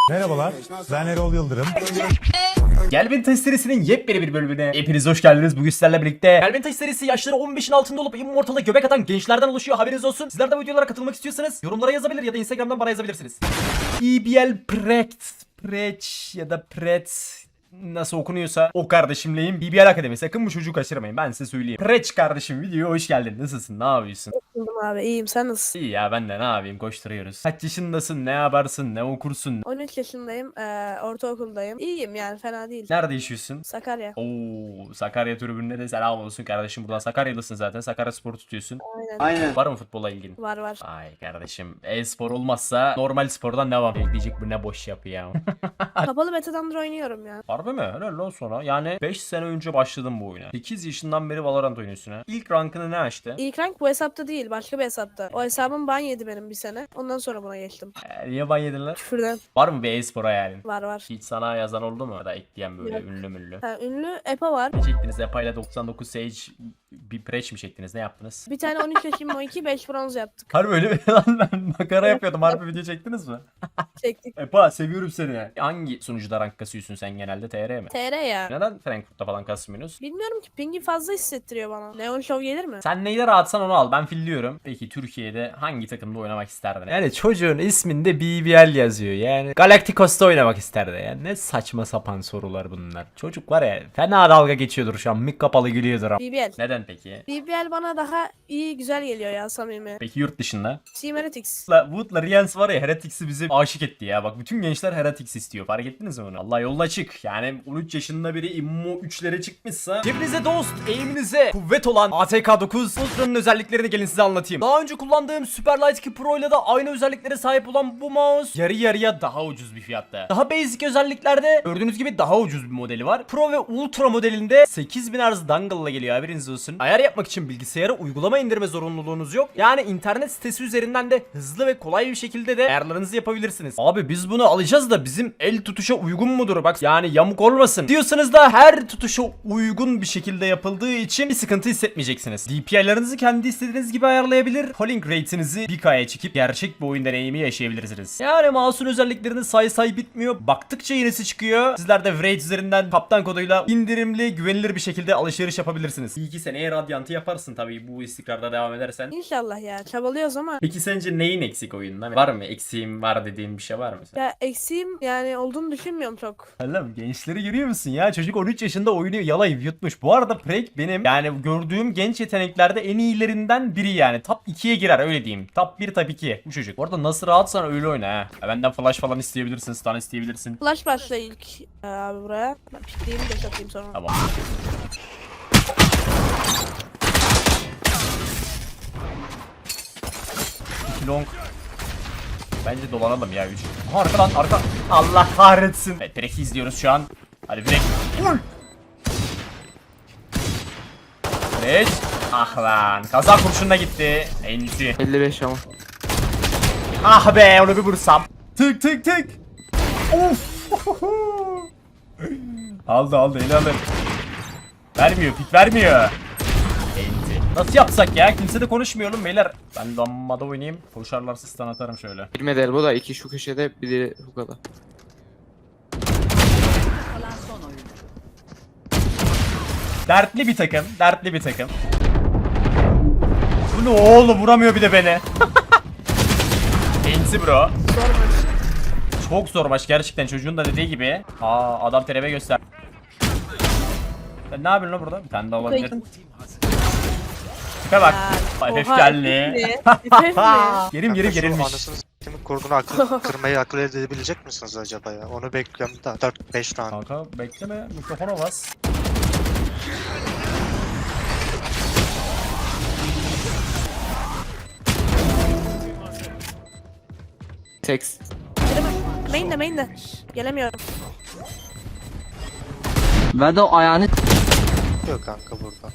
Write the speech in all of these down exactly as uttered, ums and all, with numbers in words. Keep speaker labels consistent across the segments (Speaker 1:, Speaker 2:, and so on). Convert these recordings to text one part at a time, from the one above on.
Speaker 1: Merhabalar, ben Erol Yıldırım.
Speaker 2: Gel Beni Taş serisinin yepyeni bir bölümüne hepiniz hoş geldiniz. Bugün sizlerle birlikte Gel Beni Taş serisi yaşları on beşin altında olup Immortal'a göbek atan gençlerden oluşuyor, haberiniz olsun. Sizler de bu videolara katılmak istiyorsanız yorumlara yazabilir ya da Instagram'dan bana yazabilirsiniz. E B L Prekt, Preç ya da Pret nasıl okunuyorsa o kardeşimleyim. B B L Akademi, sakın bu çocuğu kaçırmayın, ben size söyleyeyim. Preç kardeşim, videoya hoş geldin. Nasılsın, ne yapıyorsun?
Speaker 3: Buldum abi, iyiyim, sen nasılsın?
Speaker 2: İyi ya, ben de ne yapayım, koşturuyoruz. Kaç yaşındasın, ne yaparsın, ne okursun?
Speaker 3: on üç yaşındayım, eee, ortaokuldayım. İyiyim yani, fena değil.
Speaker 2: Nerede yaşıyorsun?
Speaker 3: Sakarya.
Speaker 2: Oo, Sakarya tribününe de selam olsun kardeşim. Buradan Sakaryalısın zaten. Sakarya Spor'u tutuyorsun.
Speaker 3: Aynen.
Speaker 2: Aynen. Var mı futbola ilgin?
Speaker 3: Var var.
Speaker 2: Ay kardeşim, e-spor olmazsa normal spordan devam. Bekleyecek, bu ne boş yapı ya.
Speaker 3: Kapalı betadandır oynuyorum ya.
Speaker 2: Harbi mi? Helal lan sonra. Yani beş sene önce başladım bu oyuna. sekiz yaşından beri Valorant oynuyorsun ha. İlk rankını ne açtı?
Speaker 3: İlk rank bu hesapta değil, başka bir hesapta. O hesabım ban yedi benim bir sene. Ondan sonra buna geçtim.
Speaker 2: Ee, niye ban yedin lan?
Speaker 3: Küfürden.
Speaker 2: Var mı bir e-spor hayalin?
Speaker 3: Var var.
Speaker 2: Hiç sana yazan oldu mu? Ya da ekleyen böyle
Speaker 3: Yok.
Speaker 2: ünlü müllü.
Speaker 3: Ha, ünlü Epa var.
Speaker 2: Ne çektiniz? Epa ile doksan dokuz Sage bir preç mi çektiniz? Ne yaptınız?
Speaker 3: Bir tane on üç yaşım o iki, beş bronz yaptık.
Speaker 2: Harbi öyle mi lan, ben makara yapıyordum. Harbi video çektiniz mi?
Speaker 3: Çektik.
Speaker 2: Epa, seviyorum seni. Hangi sunucuda rank kasıyorsun sen genelde, T R mi?
Speaker 3: T R ya.
Speaker 2: Neden Frankfurt'ta falan kasmıyorsunuz?
Speaker 3: Bilmiyorum ki, pingi fazla hissettiriyor bana. Neon Show gelir mi?
Speaker 2: Sen neyle rahatsan onu al, ben filliyorum. Peki Türkiye'de hangi takımda oynamak isterdin? Yani çocuğun isminde B B L yazıyor, yani Galacticos'ta oynamak isterdi. Yani ne saçma sapan sorular bunlar. Çocuk var ya, fena dalga geçiyordur şu an, mik kapalı gülüyordur.
Speaker 3: B B L.
Speaker 2: Neden peki?
Speaker 3: B B L bana daha iyi, güzel geliyor ya, samimi.
Speaker 2: Peki yurt dışında?
Speaker 3: Team Heretics.
Speaker 2: Wood'la, Wood'la Rians var ya, Heretics'i bize aşık etti ya. Bak bütün gençler Heretics istiyor. Fark ettiniz mi bunu? Allah yoluna açık. Yani on üç yaşında biri immo üçlere çıkmışsa, cebinize dost, eğiminize kuvvet olan A T K dokuz Ultra'nın özelliklerini gelin size anlatayım. Daha önce kullandığım Superlight iki Pro ile de aynı özelliklere sahip olan bu mouse yarı yarıya daha ucuz bir fiyatta. Daha basic özelliklerde gördüğünüz gibi daha ucuz bir modeli var. Pro ve Ultra modelinde sekiz bin Hz dongle ile geliyor, haberiniz olsun. Ayar yapmak için bilgisayara uygulama indirme zorunluluğunuz yok. Yani internet sitesi üzerinden de hızlı ve kolay bir şekilde de ayarlarınızı yapabilirsiniz. Abi biz bunu alacağız da bizim el tutuşa uygun mudur? Bak yani yamuk olmasın diyorsanız da her tutuşa uygun bir şekilde yapıldığı için bir sıkıntı hissetmeyeceksiniz. D P I'larınızı kendi istediğiniz gibi ayarlayabilir. Polling rate'inizi bir K'ya çekip gerçek bir oyun deneyimi yaşayabilirsiniz. Yani mouse'un özelliklerini say say bitmiyor. Baktıkça yenisi çıkıyor. Sizler de Wraith üzerinden kaptan koduyla indirimli, güvenilir bir şekilde alışveriş yapabilirsiniz. İyi ki seneye Radiant'ı yaparsın tabii, bu istikrarda devam edersen.
Speaker 3: İnşallah ya, çabalıyoruz ama.
Speaker 2: Peki sence neyin eksik oyunda? Var mı? Eksiğim var dediğin bir şey var mı?
Speaker 3: Ya eksiğim yani olduğunu düşünmüyorum çok.
Speaker 2: Oğlum gençleri görüyor musun ya? Çocuk on üç yaşında oynuyor, yalayıp yutmuş. Bu arada Prek benim yani gördüğüm genç yeteneklerde en iyilerinden biri yani. Top ikiye girer, öyle diyeyim. Top bir, top iki bu çocuk. Bu arada nasıl rahatsan öyle oyna ha. Ya benden flash falan isteyebilirsin, stun isteyebilirsin.
Speaker 3: Flash başla ilk e, abi buraya. Ben pikleyeyim de satayım sonra.
Speaker 2: Tamam. İki long. Bence dolanalım ya üç. Aha, arka lan arka. Allah kahretsin. Evet, Prek'i izliyoruz şu an. Hadi Prek. Vur. Prek. Ah lan. Kaza kurşununa gitti. En iyisi.
Speaker 4: elli beş ama.
Speaker 2: Ah be, onu bir vursam. Tık tık tık. Of. Aldı aldı, eli alır. Vermiyor, pik vermiyor. Enti. Nasıl yapsak ya? Kimse de konuşmuyorum beyler. Ben lambada oynayayım. Koşarlarsa stun atarım şöyle.
Speaker 4: Bilmedi elbo da iki şu köşede biri hukada.
Speaker 2: Dertli bir takım. Dertli bir takım. Bu ne oğlum? Vuramıyor bir de beni. Enti bro.
Speaker 3: Zor maç.
Speaker 2: Çok zor maç gerçekten, çocuğun da dediği gibi. Aa, adam terebe göster. Sen ne yapıyorsun lan burada? Bir tane daha olabilir. Tipe bak.
Speaker 3: Ya,
Speaker 2: F F
Speaker 3: oha,
Speaker 2: geldi.
Speaker 3: F F mi?
Speaker 2: Gerim gerim
Speaker 5: Şu
Speaker 2: gerilmiş.
Speaker 5: Anasını s**timin kurduğunu akıl, kırmayı akıl edebilecek misiniz acaba ya? Onu bekliyorum da dört beş tane.
Speaker 2: Kanka bekleme, mikrofona bas.
Speaker 4: Seks.
Speaker 3: Main de main de. Gelemiyorum.
Speaker 4: Ve de o ayağını
Speaker 5: Yok kanka burada.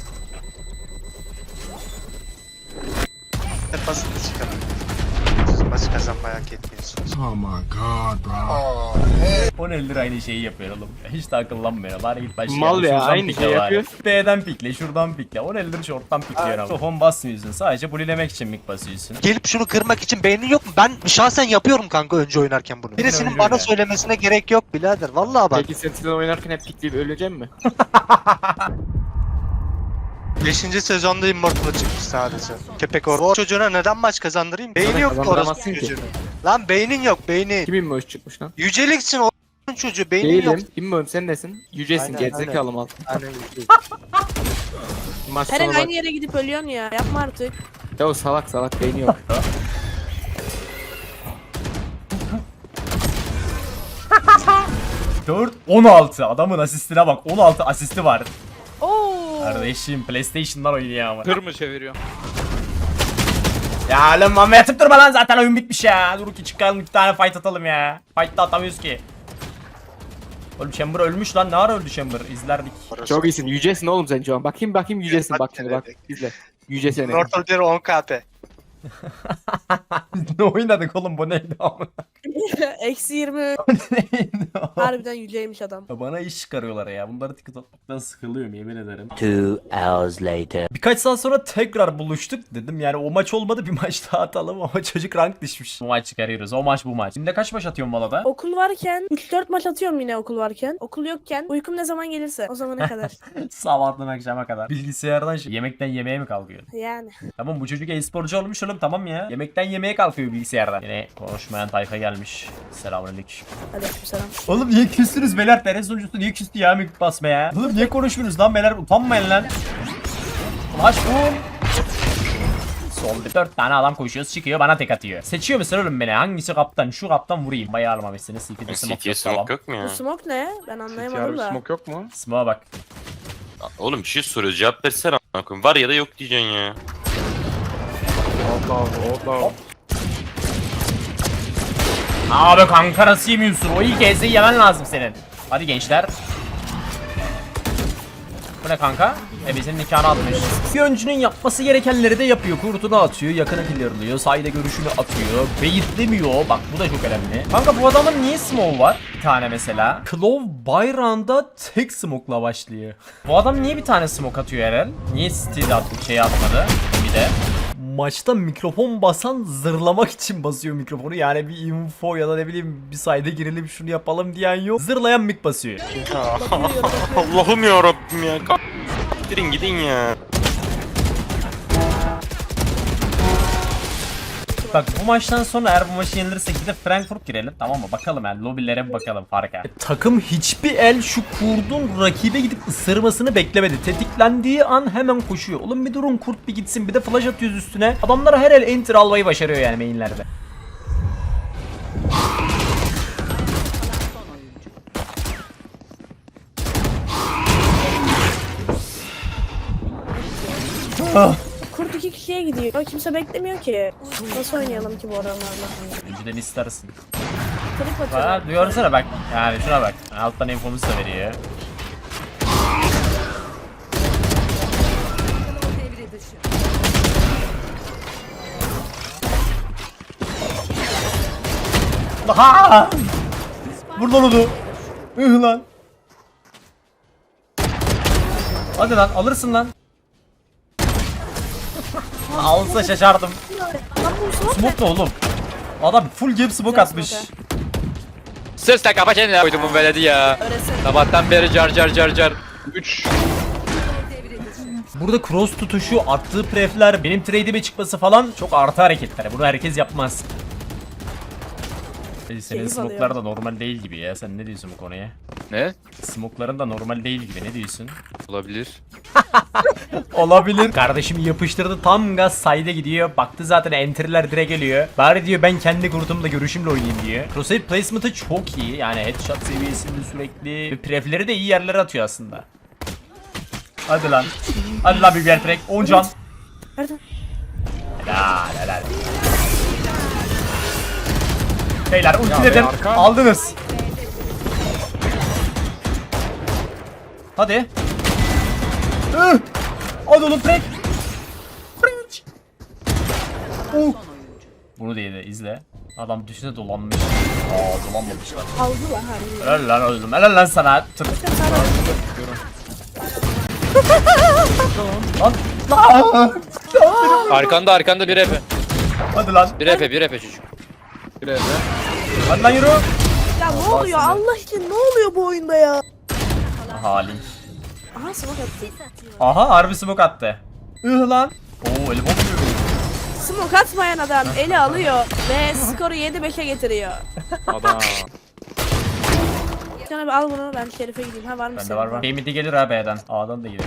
Speaker 5: Hep basit çıkar. maçı kazanmayı hak etmiyorsunuz.
Speaker 2: on eldir aynı şeyi yapıyor oğlum. Hiç de akıllanmıyor. Bari git başlayalım.
Speaker 4: Mal ya,
Speaker 2: Şuradan
Speaker 4: aynı
Speaker 2: pikle
Speaker 4: şeyi
Speaker 2: bari.
Speaker 4: yapıyor.
Speaker 2: B'den pikle, şuradan pikle. on eldir short'tan pikliyor ama. Home basmıyorsun. Sadece bulilemek için mik basıyorsun.
Speaker 5: Gelip şunu kırmak için beynin yok mu? Ben şahsen yapıyorum kanka önce oynarken bunu. Birisinin
Speaker 2: önce
Speaker 5: bana
Speaker 2: öyle.
Speaker 5: söylemesine gerek yok birader. Vallahi bak.
Speaker 4: Peki sen sizden oynarken hep pikleyip öleceğim mi?
Speaker 5: beşinci sezonda Immortal'a çıkmış sadece. Köpek or. O çocuğuna neden maç kazandırayım? Beyni
Speaker 4: Sana
Speaker 5: yok ki orası
Speaker 4: kazandıramazsın ki.
Speaker 5: çocuğun. Lan beynin yok beyni.
Speaker 4: Kimin mi hoş çıkmış lan?
Speaker 5: Yüceliksin o çocuğu beynin yok.
Speaker 4: Değilim. Bilmiyorum sen nesin? Yücesin
Speaker 5: Aynen,
Speaker 4: gerizekalı mal.
Speaker 5: Aynen.
Speaker 4: Maç
Speaker 3: Her
Speaker 4: sonu bak.
Speaker 3: aynı yere gidip ölüyorsun ya. Yapma artık.
Speaker 4: Ya o salak salak beyni yok.
Speaker 2: dört on altı. Adamın asistine bak. on altı asisti var.
Speaker 3: Oo.
Speaker 2: Kardeşim PlayStation'dan oynuyor ama.
Speaker 6: Tır mı çeviriyor?
Speaker 2: Ya lan mama yatıp durma lan, zaten oyun bitmiş ya. Dur ki çıkalım bir tane fight atalım ya. Fight da atamıyoruz ki. Oğlum Chamber ölmüş lan, ne ara öldü Chamber, izlerdik.
Speaker 4: Çok iyisin. Yücesin oğlum sen şu an. Bakayım bakayım yücesin
Speaker 5: Bak
Speaker 4: bak şimdi bak.
Speaker 5: denedik.
Speaker 4: İzle. Yüce seni.
Speaker 5: Immortal bir on K P.
Speaker 2: Ne oynadık oğlum, bu neydi ama?
Speaker 3: Eksi yirmi.
Speaker 2: Neydi o?
Speaker 3: Harbiden yüceymiş adam.
Speaker 2: Ya bana iş çıkarıyorlar ya. Bunları tıkıt atmaktan sıkılıyorum, yemin ederim.
Speaker 7: Two hours later.
Speaker 2: Birkaç saat sonra tekrar buluştuk dedim. Yani o maç olmadı, bir maç daha atalım ama çocuk rank düşmüş. Bu maç çıkarıyoruz. O maç bu maç. Şimdi kaç maç atıyorsun Vala'da?
Speaker 3: Okul varken üç dört maç atıyorum yine okul varken. Okul yokken uykum ne zaman gelirse o zamana kadar.
Speaker 2: Sabahtan akşama kadar. Bilgisayardan şey, yemekten yemeğe mi kalkıyor?
Speaker 3: Yani.
Speaker 2: Tamam, bu çocuk e-sporcu olmuş oğlum, tamam ya. Yemekten yemeğe kalkıyor bilgisayardan. Yine konuşmayan tayfa gelmiş. Selamünaleyküm.
Speaker 3: Aleykümselam.
Speaker 2: Oğlum niye küstünüz beyler? Teres sunucusu niye küstü ya mik basmaya? Oğlum niye konuşmuyorsunuz lan beyler? Utanmayın lan. Maç bu. Solda dört tane adam koşuyor, çıkıyor, bana tek atıyor. Seçiyor musun oğlum beni? Hangisi kaptan? Şu kaptan vurayım. Bayağı almamışsınız. C T'de smoke
Speaker 8: C T'ye
Speaker 2: yok, tamam.
Speaker 8: smoke yok mu ya?
Speaker 3: Bu smoke ne? Ben anlayamadım da.
Speaker 6: Smoke yok mu?
Speaker 2: Smoke'a bak.
Speaker 8: Oğlum bir şey soruyor, cevap versene a**ına koyayım. Var ya da yok diyeceksin ya.
Speaker 6: Allah Allah Allah.
Speaker 2: Abi kanka nasıl yemiyorsun? O ilk ezdeyi yemen lazım senin. Hadi gençler. Bu ne kanka? Ebesinin nikahını atmış. Bir öncünün yapması gerekenleri de yapıyor. Kurtunu atıyor, yakını clearlıyor, sayda görüşünü atıyor, beyitlemiyor. Bak bu da çok önemli. Kanka bu adamın niye smoke var? Bir tane mesela. Claw bayrağında tek smoke'la başlıyor. Bu adam niye bir tane smoke atıyor herhal? Niye City'de attı, şey atmadı? Bir de. Maçta mikrofon basan zırlamak için basıyor mikrofonu. Yani bir info ya da ne bileyim bir sayda girelim şunu yapalım diyen yok. Zırlayan mik basıyor.
Speaker 8: Allah'ım ya Rabbim ya. Ka- Gidin gidin ya.
Speaker 2: Bak bu maçtan sonra eğer bu maçı yenilirsek gidip Frankfurt girelim, tamam mı? Bakalım yani lobilere bir bakalım farka. E, takım hiçbir el şu kurdun rakibe gidip ısırmasını beklemedi. Tetiklendiği an hemen koşuyor. Oğlum bir durun, kurt bir gitsin, bir de flash atıyoruz üstüne. Adamlar her el enter almayı başarıyor yani mainlerde. Ah.
Speaker 3: Kurt iki kişiye gidiyor. Kimse beklemiyor ki. Nasıl oynayalım ki bu adamlarla?
Speaker 2: Önceden istersin.
Speaker 3: Trip
Speaker 2: Ha,
Speaker 3: atıyor.
Speaker 2: duyarsana bak. Yani şuna bak. Alttan infomuzu da veriyor. Aha! Vur lan onu. Ih lan. Hadi lan, alırsın lan. Alsa şaşardım.
Speaker 3: Lan bu smoke
Speaker 2: Smoke ne oğlum? Adam full game smoke atmış.
Speaker 3: smoke
Speaker 6: Sus da kapa kendine koydum bu veledi ya.
Speaker 3: öğretsene.
Speaker 6: Sabahtan beri car car car car. üç.
Speaker 2: Burada cross tutuşu, attığı prefler, benim trade'ime çıkması falan çok artı hareketler. Bunu herkes yapmaz. Senin
Speaker 3: Keyif
Speaker 2: smoke'lar da normal değil gibi ya. Sen ne diyorsun bu konuya?
Speaker 6: Ne?
Speaker 2: Smoke'ların da normal değil gibi. Ne diyorsun?
Speaker 6: Olabilir.
Speaker 2: Olabilir. Kardeşim yapıştırdı, tam gaz side'e gidiyor. Baktı zaten entry'ler direkt geliyor. Bari diyor ben kendi kurtumla görüşümle oynayayım diyor. Crosshair placement'ı çok iyi. Yani headshot seviyesinde sürekli. Ve prefleri de iyi yerlere atıyor aslında. Hadi lan. Hadi lan bir yer track. on can.
Speaker 3: Nerede?
Speaker 2: Helal helal. Beyler ultiledim.
Speaker 6: arka.
Speaker 2: Aldınız. Hadi. Ih! Hadi oğlum track. Oh. Bunu değil de izle. Adam düşüne dolanmış. Aa dolanmamışlar.
Speaker 3: Aldılar harbi.
Speaker 2: Helal lan oğlum. Helal lan sana. Tır.
Speaker 3: Bakın sana
Speaker 2: Lan. Lan.
Speaker 6: Arkanda arkanda bir epe.
Speaker 2: Hadi lan.
Speaker 6: Bir epe bir epe çocuk.
Speaker 2: Hadi lan yürü.
Speaker 3: ya ne oluyor
Speaker 2: seni.
Speaker 3: Allah için ne oluyor bu oyunda ya?
Speaker 2: Aha Link.
Speaker 3: Aha smoke attı.
Speaker 2: Aha harbi smoke attı. Ih lan. Oo elim olmuyor.
Speaker 3: Smoke atmayan adam eli alıyor ve skoru yedi beşe getiriyor.
Speaker 8: Adam.
Speaker 3: Can abi al bunu ben Şerif'e gideyim. Ha var mı
Speaker 2: Bende var var. B midi gelir ha B'den. A'dan da gelir.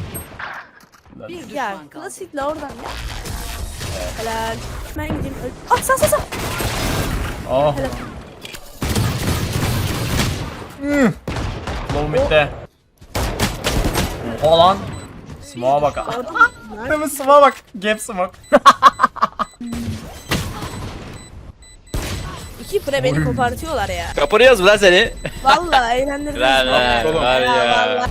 Speaker 3: Ya klasikle oradan ya. Helal. Ben gideyim. öl- Ah sağ sağ sağ.
Speaker 2: Oh.
Speaker 3: Helal.
Speaker 2: Low mid'de. Oha lan. Smoke'a bak. Değil mi smoke'a bak. Gap smoke.
Speaker 3: İki pre beni kopartıyorlar ya.
Speaker 6: Kapanıyoruz mu lan seni?
Speaker 3: Vallahi eğlendirdiniz.
Speaker 6: Lan lan var
Speaker 3: Ya
Speaker 6: ya.
Speaker 3: vallahi.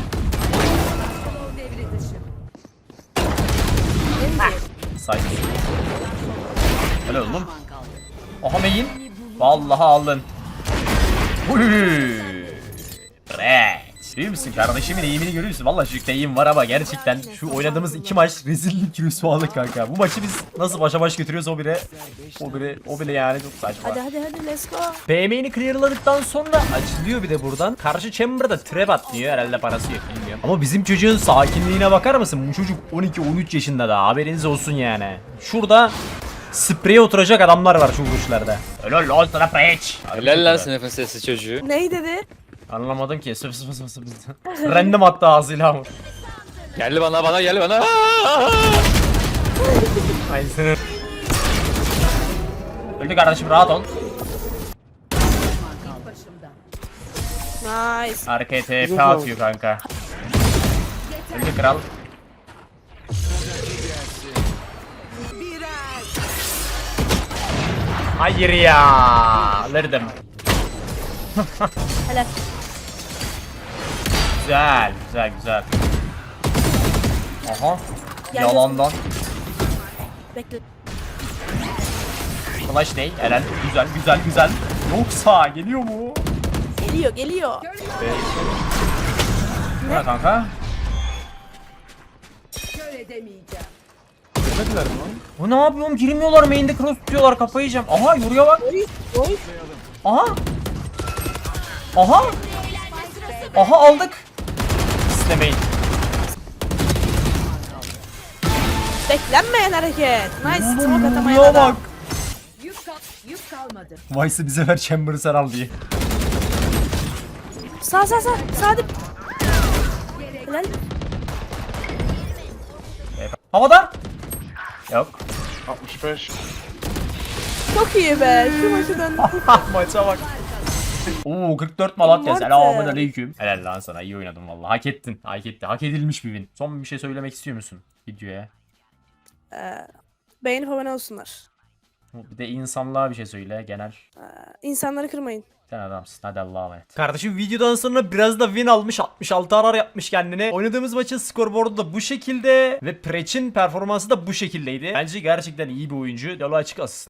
Speaker 2: Side. Öyle oğlum. Aha main. Vallahi aldın. Uy. Rex. Değil misin kardeşimin eğimini görüyorsun. Vallahi çocukta eğim var ama gerçekten şu oynadığımız iki maç rezillik rüsvalık kanka. Bu maçı biz nasıl başa baş götürüyoruz o bile. O bile o bile yani çok saçma.
Speaker 3: Hadi hadi hadi let's go.
Speaker 2: B main'i clearladıktan sonra açılıyor bir de buradan. Karşı chamber'da trap atlıyor. Herhalde parası yok bilmiyorum. Ama bizim çocuğun sakinliğine bakar mısın? Bu çocuk on iki on üç yaşında da haberiniz olsun yani. Şurada spreye oturacak adamlar var şu vuruşlarda. Helal lan sana preach.
Speaker 6: Helal lan sınıfın sesi çocuğu.
Speaker 3: Ney dedi?
Speaker 2: Anlamadım ki. Sıf sıf sıf sıf. Random attı ağzıyla ama.
Speaker 6: Geldi bana bana geldi bana.
Speaker 2: Aynı senin. Öldü kardeşim rahat ol.
Speaker 3: Nice.
Speaker 2: Arkaya T P atıyor kanka. Öldü kral. Hayır ya. Alırdım.
Speaker 3: Helal.
Speaker 2: Güzel, güzel, güzel. Aha.
Speaker 3: Gel,
Speaker 2: Yalandan.
Speaker 3: Bekle.
Speaker 2: Flash ne? Eren. Güzel, güzel, güzel. Yoksa geliyor mu?
Speaker 3: Geliyor geliyor.
Speaker 2: Ne kanka? Bu ne yapıyorum? Girmiyorlar main'de cross tutuyorlar kafayı yiyeceğim. Aha yoruya bak.
Speaker 3: Oy oy.
Speaker 2: Aha. Aha. Aha aldık. İstemeyin.
Speaker 3: Beklenmeyen hareket. Nice. Smoke
Speaker 2: Oğlum
Speaker 3: atamayan
Speaker 2: yoruya
Speaker 3: adam.
Speaker 2: bak. Vice'ı bize ver Chamber'ı sen al diye.
Speaker 3: Sağ sağ sağ. Sağ dip. Helal.
Speaker 2: Havada. Yok.
Speaker 8: altmış beş.
Speaker 3: Çok iyi be. Şu maçı döndü.
Speaker 2: Maça bak. Oo kırk dört Malatya.
Speaker 3: Morte.
Speaker 2: Selamun aleyküm. Helal lan sana iyi oynadın vallahi. Hak ettin. Hak etti. Hak edilmiş bir win. Son bir şey söylemek istiyor musun videoya?
Speaker 3: Ee, beğenip abone olsunlar.
Speaker 2: Bir de insanlığa bir şey söyle genel.
Speaker 3: İnsanları kırmayın.
Speaker 2: Sen adamsın. Hadi Allah'a emanet. Kardeşim videodan sonra biraz da win almış. altmış altı arar yapmış kendine. Oynadığımız maçın skorboardu da bu şekilde. Ve Preach'in performansı da bu şekildeydi. Bence gerçekten iyi bir oyuncu. Yolu açık olsun.